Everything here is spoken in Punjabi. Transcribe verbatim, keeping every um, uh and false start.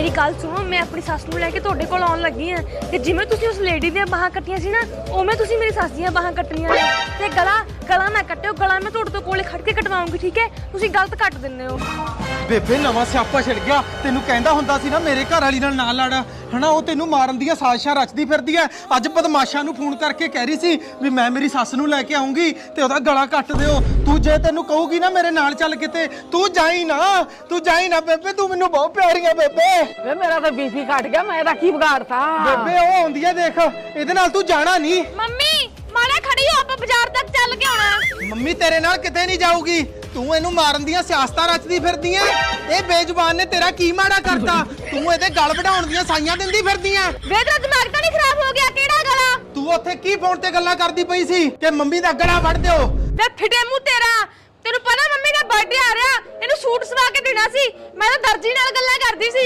ਮੇਰੀ ਗੱਲ ਸੁਣੋ, ਮੈਂ ਆਪਣੀ ਸੱਸ ਨੂੰ ਲੈ ਕੇ ਤੁਹਾਡੇ ਕੋਲ ਆਉਣ ਲੱਗੀ ਆ ਤੇ ਜਿਵੇਂ ਤੁਸੀਂ ਉਸ ਲੇਡੀ ਦੀਆਂ ਬਾਹਾਂ ਕੱਟੀਆਂ ਸੀ ਨਾ, ਉਵੇਂ ਤੁਸੀਂ ਮੇਰੀ ਸੱਸ ਦੀਆਂ ਬਾਹਾਂ ਕੱਟਣੀਆਂ ਨੇ ਤੇ ਗਲਾ ਗਲਾ ਨਾ ਕੱਟਿਓ, ਗਲਾ ਮੈਂ ਤੁਹਾਡੇ ਤੋਂ ਕੋਲੇ ਖੜ ਕੇ ਕਟਵਾਉਂਗੀ, ਠੀਕ ਹੈ? ਤੁਸੀਂ ਗਲਤ ਕੱਟ ਦਿੰਦੇ ਹੋ। ਬੇਬੇ ਨਵਾਂ ਸਿਆਪਾ ਛਿੜ ਗਿਆ। ਤੈਨੂੰ ਕਹਿੰਦਾ ਹੁੰਦਾ ਸੀ ਨਾ ਮੇਰੇ ਘਰ ਵਾਲੀ ਨਾਲ ਨਾ ਲੜ, ਹਨਾ? ਉਹ ਤੈਨੂੰ ਮਾਰਨ ਦੀਆਂ ਸਾਜ਼ਿਸ਼ਾਂ ਰਚਦੀ ਫਿਰਦੀ ਐ। ਅੱਜ ਬਦਮਾਸ਼ਾਂ ਨੂੰ ਫੋਨ ਕਰਕੇ ਕਹਿ ਰਹੀ ਸੀ ਵੀ ਮੈਂ ਮੇਰੀ ਸੱਸ ਨੂੰ ਲੈ ਕੇ ਆਉਂਗੀ ਤੇ ਉਹਦਾ ਗਲਾ ਕੱਟ ਦਿਓ। ਤੂੰ ਜੇ ਤੈਨੂੰ ਕਹੂਗੀ ਨਾ ਮੇਰੇ ਨਾਲ ਚੱਲ ਕਿਤੇ, ਤੂੰ ਜਾਈ ਨਾ, ਤੂੰ ਜਾਈ ਨਾ ਬੇਬੇ, ਤੂੰ ਮੈਨੂੰ ਬਹੁਤ ਪਿਆਰੀ ਆ ਬੇਬੇ। ਵੇ ਮੇਰਾ ਤਾਂ ਬੀਪੀ ਘਟ ਗਿਆ, ਮੈਂ ਇਹਦਾ ਕੀ ਵਿਗਾੜਤਾ? ਬੇਬੇ ਉਹ ਆਉਂਦੀ ਐ, ਦੇਖ ਇਹਦੇ ਨਾਲ ਤੂੰ ਜਾਣਾ ਨਹੀਂ। ਮੰਮੀ ਮਾੜਾ ਖੜੀ ਹੋ, ਆਪਾਂ ਬਾਜ਼ਾਰ ਤੱਕ ਚੱਲ ਕੇ ਆਉਣਾ। ਮੰਮੀ ਤੇਰੇ ਨਾਲ ਕਿਤੇ ਨਹੀਂ ਜਾਊਗੀ। ਤੂੰ ਇਹਨੂੰ ਮਾਰਨ ਦੀਆਂ ਸਿਆਸਤਾਂ ਰਚਦੀ ਫਿਰਦੀ ਐ। ਇਹ ਬੇਜ਼ੁਬਾਨ ਨੇ ਤੇਰਾ ਕੀ ਮਾੜਾ ਕਰਤਾ? ਤੂੰ ਇਹਦੇ ਗਲ ਵਢਾਉਣ ਦੀਆਂ ਸਾਈਆਂ ਦਿੰਦੀ ਫਿਰਦੀ ਐ। ਵੇ ਤੇਰਾ ਦਿਮਾਗ ਤਾਂ ਨਹੀਂ ਖਰਾਬ ਹੋ ਗਿਆ? ਕਿਹੜਾ ਗਲਾ? ਤੂੰ ਉੱਥੇ ਕੀ ਫੋਨ ਤੇ ਗੱਲਾਂ ਕਰਦੀ ਪਈ ਸੀ ਕਿ ਮੰਮੀ ਦਾ ਗਲਾ ਵੜ ਦਿਓ? ਵੇ ਫਿੱਟੇ ਮੂੰਹ ਤੇਰਾ, ਤੈਨੂੰ ਪਤਾ ਮੰਮੀ ਦਾ ਬਰਥਡੇ ਆ ਰਿਹਾ, ਇਹਨੂੰ ਸੂਟ ਸਵਾ ਕੇ ਦੇਣਾ ਸੀ। ਮੈਂ ਤਾਂ ਦਰਜੀ ਨਾਲ ਗੱਲਾਂ ਕਰਦੀ ਸੀ।